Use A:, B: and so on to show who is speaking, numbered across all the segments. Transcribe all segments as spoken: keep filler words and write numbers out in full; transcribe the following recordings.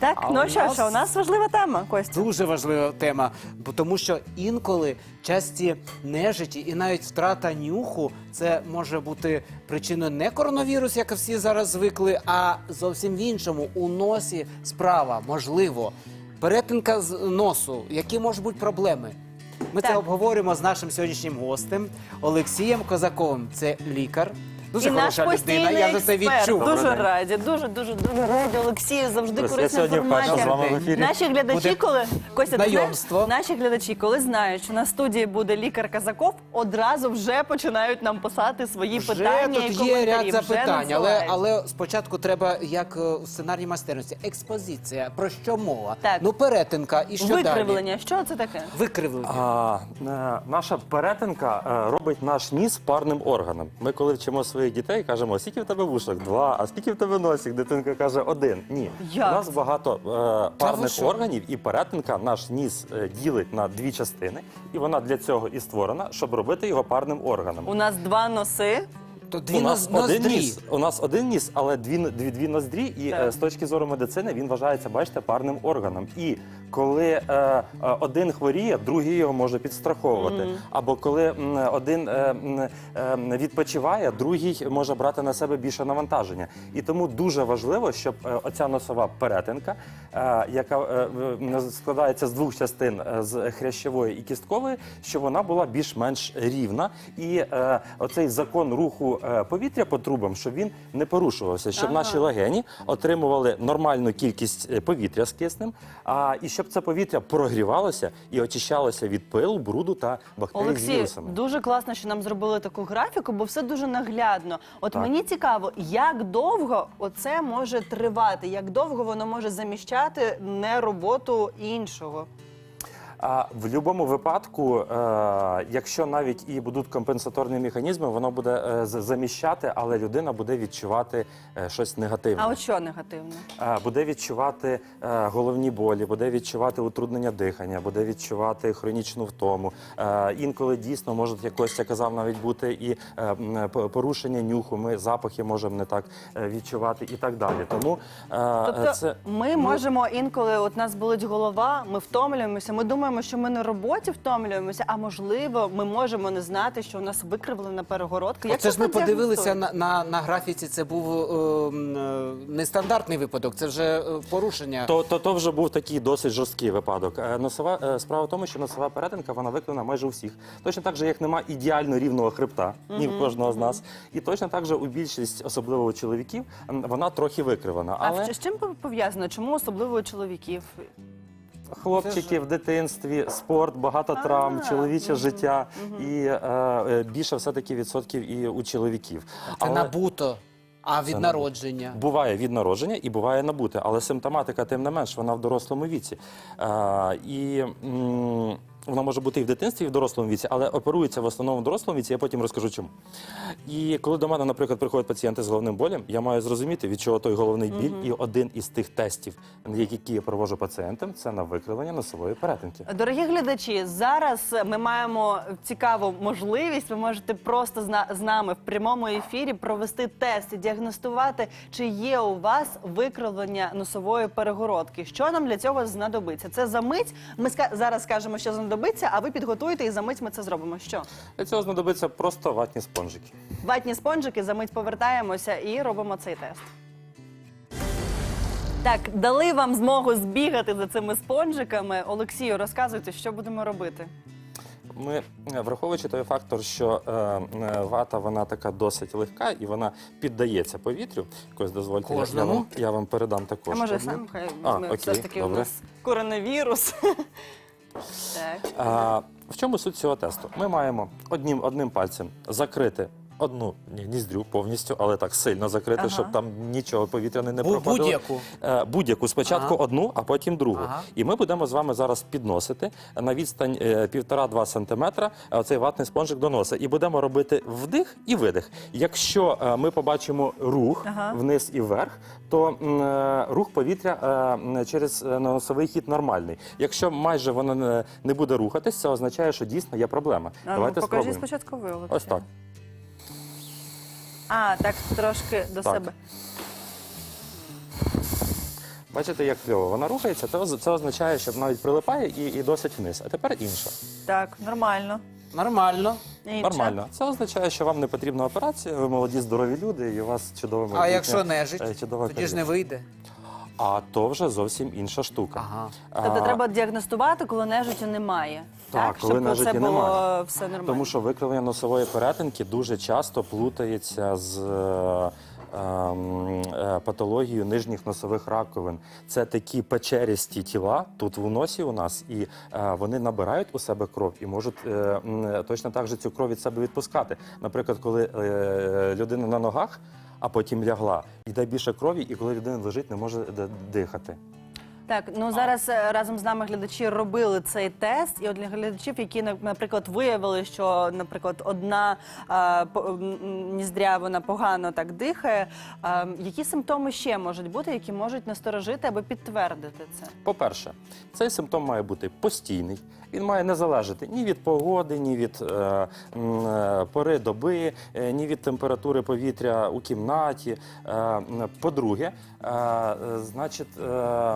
A: Так,
B: А
A: ну
B: у
A: що
B: нас
A: ж, у нас важлива тема, Костя.
B: Дуже важлива тема, бо тому що інколи часті нежиті і навіть втрата нюху це може бути причиною не коронавірус, як всі зараз звикли, а зовсім в іншому. У носі справа, можливо. Перетинка з носу. Які можуть бути проблеми? Ми
A: Так.
B: це обговорюємо з нашим сьогоднішнім гостем Олексієм Козаковим. Це лікар. Дуже
A: І наш
B: хороша людина,
A: постійний
B: я вже це
A: експерт.
B: відчув.
A: Дуже
C: Добрий день.
A: раді, дуже, дуже, дуже раді, Олексію, завжди
C: Я
A: корисна
C: сьогодні вперше
A: інформація.
C: з вами в ефірі.
A: Наші глядачі,
B: Буде
A: коли Костя, ти знаєш,
B: знайомство.
A: наші глядачі, коли знають, що на студії буде лікар Казаков, одразу вже починають нам писати свої
B: Вже
A: питання і
B: тут
A: коментарі.
B: є ряд
A: вже
B: запитань, але,
A: надсилають.
B: але спочатку треба, як е, у сценарній майстерності, експозиція. Про що мова?
A: Так.
B: Ну, перетинка і що далі?
A: Викривлення, що це таке?
B: Викривлення.
C: А, е, наша перетинка е, робить наш ніс парним органом. Ми коли вчимо своїх дітей, кажемо, скільки в тебе вушок? Два. А скільки в тебе носик? Дитинка каже, один. Ні.
A: Як?
C: У нас багато е,
B: ви
C: парних
B: що?
C: органів, і перетинка наш ніс е, ділить на дві частини. І вона для цього і створена, щоб робити його парним органом.
A: У нас два носи.
B: То дві
C: У нас
B: ноз-
C: один
B: ноздрі.
C: ніс, у нас один ніс, але дві, дві, дві ноздрі, і
A: Так.
C: е, з точки зору медицини він вважається, бачите, парним органом. І коли е, е, один хворіє, другий його може підстраховувати. Або коли м, один е, м, е, відпочиває, другий може брати на себе більше навантаження. І тому дуже важливо, щоб е, оця носова перетинка, е, яка е, в- складається з двох частин, е, з хрящової і кісткової, щоб вона була більш-менш рівна. І е, оцей закон руху е, повітря по трубам, щоб він не порушувався, щоб
A: Ага.
C: наші легені отримували нормальну кількість е, повітря з киснем, а і щоб це повітря прогрівалося і очищалося від пилу, бруду та бактерій з
A: Олексій,
C: вірусами.
A: дуже класно, що нам зробили таку графіку, бо все дуже наглядно. От
C: Так.
A: мені цікаво, як довго оце може тривати, як довго воно може заміщати не роботу іншого.
C: А в будь-якому випадку, е, якщо навіть і будуть компенсаторні механізми, воно буде е, з- заміщати, але людина буде відчувати е, щось негативне.
A: А от що негативно?
C: Е, Буде відчувати е, головні болі, буде відчувати утруднення дихання, буде відчувати хронічну втому. Е, Інколи дійсно можуть, як Костя казав, навіть бути і е, м, п- порушення нюху, ми запахи можемо не так е, відчувати і так далі. Тому е,
A: Тобто
C: це
A: ми можемо інколи, от нас болить голова, ми втомлюємося, ми думаємо, що ми на роботі втомлюємося, а можливо, ми можемо не знати, що у нас викривлена перегородка. Як
B: Оце ж ми
A: це
B: подивилися
A: діагностують?
B: на, на, на графіці, це був е, м, е, нестандартний випадок, це вже е, порушення.
C: То, то, то вже був такий досить жорсткий випадок. Е, Носова, е, справа в тому, що носова перетинка, вона виконана майже у всіх. Точно так же, як нема ідеально рівного хребта, ні в кожного з нас. І точно так же у більшість, особливо у чоловіків, м, вона трохи викривана.
A: А
C: Але
A: в- з чим пов'язано? Чому особливо у чоловіків?
C: хлопчики в дитинстві, спорт, багато
A: А,
C: травм, чоловіче
A: мгм,
C: життя і е, е, більше все-таки відсотків і у чоловіків.
B: Це
C: Але-
B: набуто, а від
C: Це
B: народження.
C: Буває від народження і буває набуте, але симптоматика, тим не менш, вона в дорослому віці. А, і м, вона може бути і в дитинстві, і в дорослому віці, але оперується в основному в дорослому віці, я потім розкажу чому. І коли до мене, наприклад, приходять пацієнти з головним болем, я маю зрозуміти, від чого той головний біль, і один із тих тестів, які я проводжу пацієнтам, це на викривлення носової перетинки.
A: Дорогі глядачі, зараз ми маємо цікаву можливість. Ви можете просто з на- з нами в прямому ефірі провести тест і діагностувати, чи є у вас викривлення носової перегородки. Що нам для цього знадобиться? Це за мить. Ми ска- зараз скажемо, що знадобиться, а ви підготуєте і за мить ми це зробимо. Що?
C: Для цього знадобиться просто ватні спонжики.
A: Ватні спонжики, за мить повертаємося і робимо цей тест. Так, дали вам змогу збігати за цими спонжиками. Олексію, розказуйте, що будемо робити.
C: Ми, е, враховуючи той фактор, що е, е, вата вона така досить легка і вона піддається повітрю. Якось дозвольте, я- я,
B: Кожному?
C: вам, я вам передам також.
A: А може
C: одну.
A: сам хай
C: А,
A: візьме. Все
C: окей,
A: ж таки у
C: добре.
A: нас коронавірус. Так.
C: А, в чому суть цього тесту? Ми маємо одним, одним пальцем закрити одну ні- ніздрю повністю, але так сильно закрити,
A: Ага.
C: щоб там нічого повітряне не
B: Бу-
C: проходило.
B: будь-яку?
C: Е, Будь-яку. Спочатку
B: Ага.
C: одну, а потім другу.
B: Ага.
C: І ми будемо з вами зараз підносити на відстань е, півтора-два сантиметра е, оцей ватний спонжик до носа. І будемо робити вдих і видих. Якщо е, ми побачимо рух
A: Ага.
C: вниз і вверх, то м, е, рух повітря е, м, через е, носовий хід нормальний. Якщо майже воно не, не буде рухатись, це означає, що дійсно є проблема.
A: А ну,
C: Давайте
A: покажіть
C: спробуємо.
A: спочатку ви, Олексій.
C: Ось так.
A: А, так, трошки до
C: Так.
A: себе.
C: Бачите, як кльово вона рухається, це, оз- це означає, що навіть прилипає і, і досить вниз. А тепер інша.
D: Так, нормально.
B: Нормально.
A: Інше.
C: Нормально. Це означає, що вам не потрібна операція, ви молоді, здорові люди, і у вас чудове майбутнє.
B: А якщо
C: е,
B: нежить,
C: чудова
B: тоді ж не
C: кар'єра.
B: вийде.
C: А то вже зовсім інша штука.
B: Ага.
A: Тобто
C: А,
A: треба діагностувати, коли нежиттю немає.
C: Так, коли
A: щоб
C: нежиті
A: це було
C: немає.
A: все нормально.
C: Тому що викривлення носової перетинки дуже часто плутається з е, ем, е, патологією нижніх носових раковин. Це такі печерісті тіла тут в носі у нас, і е, вони набирають у себе кров і можуть е, м, точно так же цю кров від себе відпускати. Наприклад, коли е, людина на ногах, а потім лягла, йде більше крові, і коли людина лежить, не може д- дихати.
A: Так, ну зараз е, разом з нами глядачі робили цей тест, і от для глядачів, які, на- наприклад, виявили, що, наприклад, одна е, по- м, ніздря, вона погано так дихає, е, які симптоми ще можуть бути, які можуть насторожити або підтвердити це?
C: По-перше, цей симптом має бути постійний. Він має не залежати ні від погоди, ні від е, м, е, пори доби, е, ні від температури повітря у кімнаті. Е, м, по-друге, е, е, значить, е,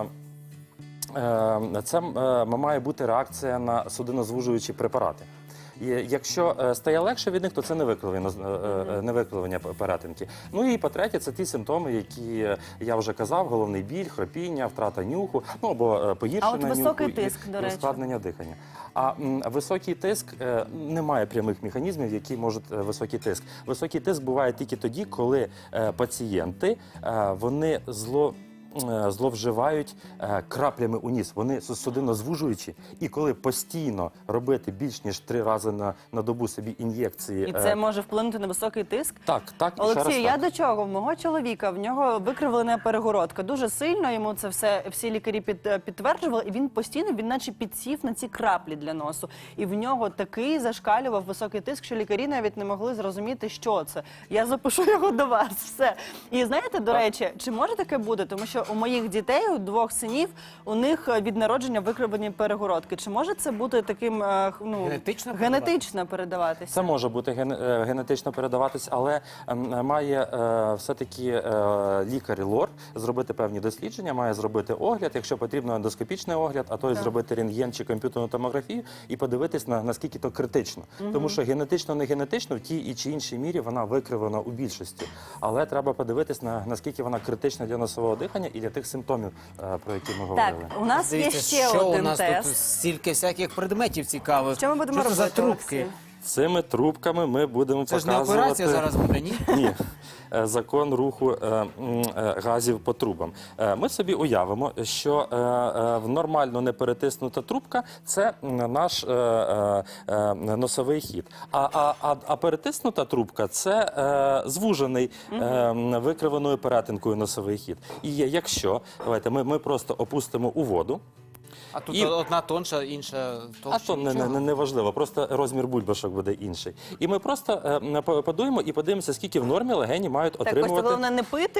C: е, це е, має бути реакція на судинозвужуючі препарати. І якщо е, стає легше від них, то це не викривлення, е, е, не викривлення перетинки. Ну і по-третє, це ті симптоми, які е, я вже казав: головний біль, хропіння, втрата нюху, ну або е, погіршення
A: А от
C: нюху
A: високий
C: і-
A: тиск,
C: і
A: до речі.
C: ускладнення дихання. А м, високий тиск е, немає прямих механізмів, які можуть е, високий тиск. Високий тиск буває тільки тоді, коли е, пацієнти е, вони зло. е, зловживають е, краплями у ніс. Вони судинозвужуючі, і коли постійно робити більш ніж три рази на, на добу собі ін'єкції.
A: І
C: е,
A: це може вплинути на високий тиск?
C: Так, так, і ще раз
A: Олексій, я
C: так.
A: до чого? В мого чоловіка, в нього викривлена перегородка. Дуже сильно йому це все, всі лікарі під, підтверджували, і він постійно, він наче підсів на ці краплі для носу. І в нього такий зашкалював високий тиск, що лікарі навіть не могли зрозуміти, що це. Я запишу його до вас, все. І знаєте, до
C: Так.
A: речі, чи може таке бути? Тому що у моїх дітей, у двох синів, у них е, від народження викривлені перегородки. Чи може це бути таким, е, ну,
B: Генетично
A: генетично передаватися?
C: Це може бути ген- е, генетично передаватись, але ем, має е, все-таки е, лікар-лор зробити певні дослідження, має зробити огляд, якщо потрібно ендоскопічний огляд, а то й
A: Так.
C: зробити рентген чи комп'ютерну томографію і подивитись, на, наскільки то критично. Тому що генетично, не генетично, в тій і чи іншій мірі вона викривлена у більшості. Але треба подивитись, на, наскільки вона критична для носового дихання і для тих симптомів, е, про які ми
A: Так,
C: говорили.
A: у нас є
B: Дивіться,
A: ще
B: що
A: один
B: у нас
A: тест.
B: тут стільки всяких предметів цікавих.
A: Що ми будемо
B: Що це
A: робити,
B: за трубки?
A: Олексій?
C: Цими трубками ми будемо
B: Це ж не
C: показувати...
B: операція зараз буде, ні?
C: Ні, Е, закон руху е, м, е, газів по трубам. Е, Ми собі уявимо, що е, е, в нормально не перетиснута трубка – це м, наш е, е, е, носовий хід. А, а, а, а перетиснута трубка – це е, звужений е, м, викривленою перетинкою носовий хід. І є, якщо, давайте, ми, ми просто опустимо у воду,
B: А тут
C: І-
B: одна тонша, інша
C: а
B: товща.
C: то не, не, не, не важливо, просто розмір бульбашок буде інший. І ми просто е, по- подуємо і подивимося, скільки в нормі легені мають
A: Так, ось
C: отримувати.
A: головне не пити.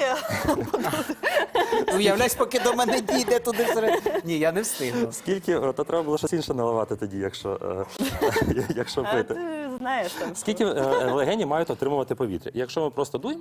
B: Уявляєш, поки до мене дійде туди всередину. Ні, я не встигну.
C: Скільки, о, то треба було щось інше наливати тоді, якщо, е, якщо
A: А
C: пити.
A: ти знаєш там.
C: Скільки е, легені мають отримувати повітря? Якщо ми просто дуємо,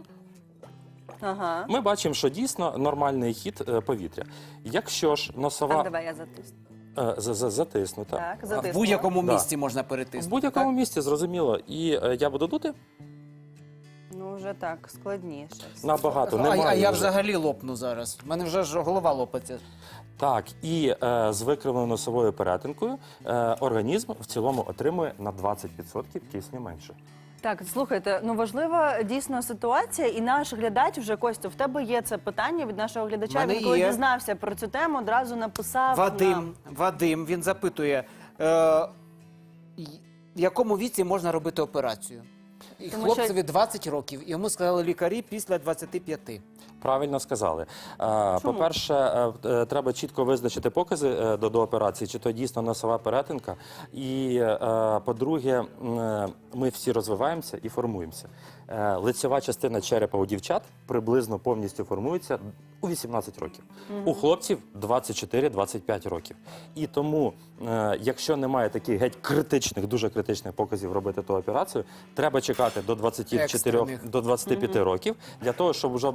A: Ага.
C: ми бачимо, що дійсно нормальний хід е, повітря. Якщо ж
A: Так,
C: носова
A: давай я затисну.
C: е, з- з- затиснута,
A: Так,
B: В
A: затисну.
B: будь-якому
C: Да.
B: місці можна
C: в
B: перетиснути.
C: будь-якому
B: так?
C: місці, зрозуміло, і е, я буду дути,
A: Ну, вже так, складніше.
C: набагато
B: А,
C: немає.
B: а я
C: вже.
B: взагалі лопну зараз. У мене вже ж голова лопаться.
C: Так, і е, з викривленою носовою перетинкою е, організм в цілому отримує на двадцять відсотків кисню менше.
A: Так, слухайте, ну важлива дійсно ситуація, і наш глядач вже, Костю, в тебе є це питання від нашого глядача.
B: Мене
A: Він коли
B: є.
A: дізнався про цю тему, одразу написав нам.
B: Вадим, Вадим, він запитує, е, й- в якому віці можна робити операцію? І
A: Тому
B: хлопцеві двадцять років, йому сказали лікарі після двадцяти п'яти.
C: Правильно сказали. Е, По-перше, е, е, треба чітко визначити покази е, до, до операції, чи то дійсно носова перетинка. І, е, по-друге, м, е, ми всі розвиваємося і формуємося. Е, Лицьова частина черепа у дівчат приблизно повністю формується у вісімнадцять років. У хлопців двадцять чотири - двадцять п'ять років. І тому, е, якщо немає таких геть критичних, дуже критичних показів робити ту операцію, треба чекати до двадцяти чотирьох
B: Екстрених.
C: до двадцяти п'яти років для того, щоб вже була сформована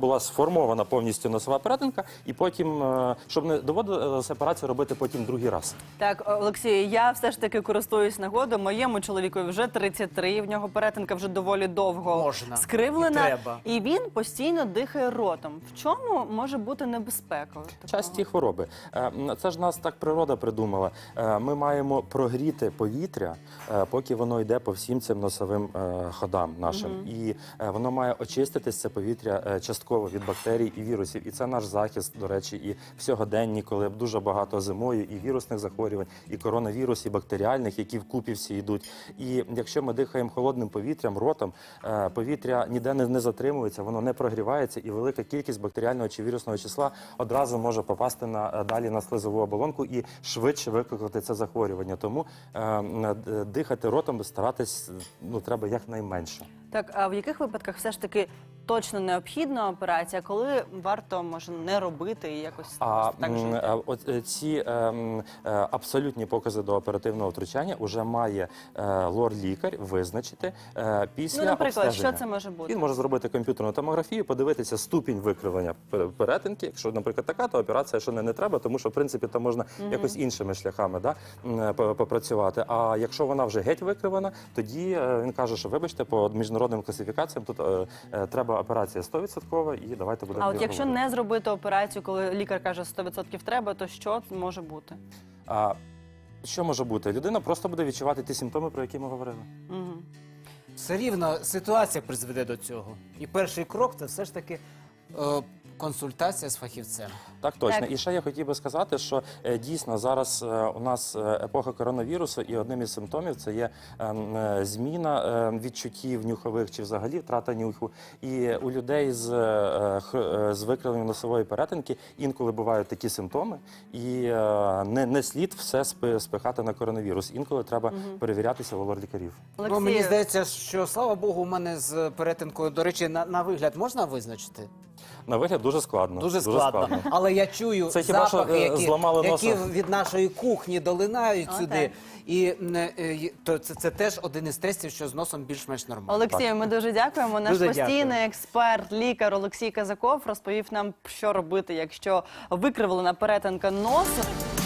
C: деформована повністю носова перетинка, і потім, е, щоб не доводилося операцію робити потім другий раз.
A: Так, Олексій, я все ж таки користуюсь нагодою. Моєму чоловікові вже тридцять три, в нього перетинка вже доволі довго
B: Можна.
A: скривлена.
B: І треба.
A: І він постійно дихає ротом. В чому може бути небезпека? такого?
C: Часті хвороби. Е, Це ж нас так природа придумала. Е, Ми маємо прогріти повітря, е, поки воно йде по всім цим носовим е, ходам нашим. І е, воно має очиститись, це повітря, е, частково від бактерій і вірусів. І це наш захист, до речі, і в сьогоденні, коли дуже багато зимою і вірусних захворювань, і коронавірус, і бактеріальних, які вкупі всі йдуть. І якщо ми дихаємо холодним повітрям, ротом, е, повітря ніде не, не затримується, воно не прогрівається, і велика кількість бактеріального чи вірусного числа одразу може попасти на е, далі на слизову оболонку і швидше викликати це захворювання. Тому е, е, дихати ротом старатись ну треба якнайменше.
A: Так, а в яких випадках все ж таки точно необхідна операція, коли варто, може, не робити і якось
C: А
A: так
C: м,
A: жити?
C: е, от е, ці е, м, е, абсолютні покази до оперативного втручання вже має е, лор-лікар визначити е, після
A: Ну, наприклад,
C: обстеження.
A: що це може бути?
C: Він може зробити комп'ютерну томографію, подивитися ступінь викривлення пер- перетинки. Якщо, наприклад, така, то операція що не, не треба, тому що в принципі там можна якось іншими шляхами да, м, по- попрацювати. А якщо вона вже геть викривана, тоді е, він каже, що вибачте, по міжнародним класифікаціям тут е, е, треба операція сто відсотків і давайте будемо.
A: А от
C: її
A: якщо
C: робити.
A: не зробити операцію, коли лікар каже сто відсотків треба, то що може бути?
C: А, що може бути? Людина просто буде відчувати ті симптоми, про які ми говорили.
A: Угу.
B: Все рівно ситуація призведе до цього. І перший крок це все ж таки е, консультація з фахівцем.
C: Так, точно.
A: Так.
C: І ще я хотів би сказати, що е, дійсно зараз е, у нас е, епоха коронавірусу, і одним із симптомів це є е, м, е, зміна е, відчуттів нюхових чи взагалі втрата нюху. І у людей з, е, х- е, з викривленням носової перетинки інколи бувають такі симптоми, і е, не, не слід все спи- спихати на коронавірус. Інколи треба перевірятися у лор-лікарів.
B: Ну, мені здається, що слава Богу, у мене з перетинкою, до речі, на, на вигляд можна визначити?
C: На вигляд дуже складно.
B: Дуже складно. Але я чую
C: Це хіба що,
B: запахи,
C: е,
B: які,
C: зламали
B: які
C: носа.
B: від нашої кухні долинають
A: О,
B: сюди.
A: так.
B: І е, е, то це, це теж один із тестів, що з носом більш-менш нормально.
A: Олексію, ми дуже дякуємо. Наш
B: Дуже
A: постійний
B: дякую.
A: експерт, лікар Олексій Казаков розповів нам, що робити, якщо викривлена перетинка носу.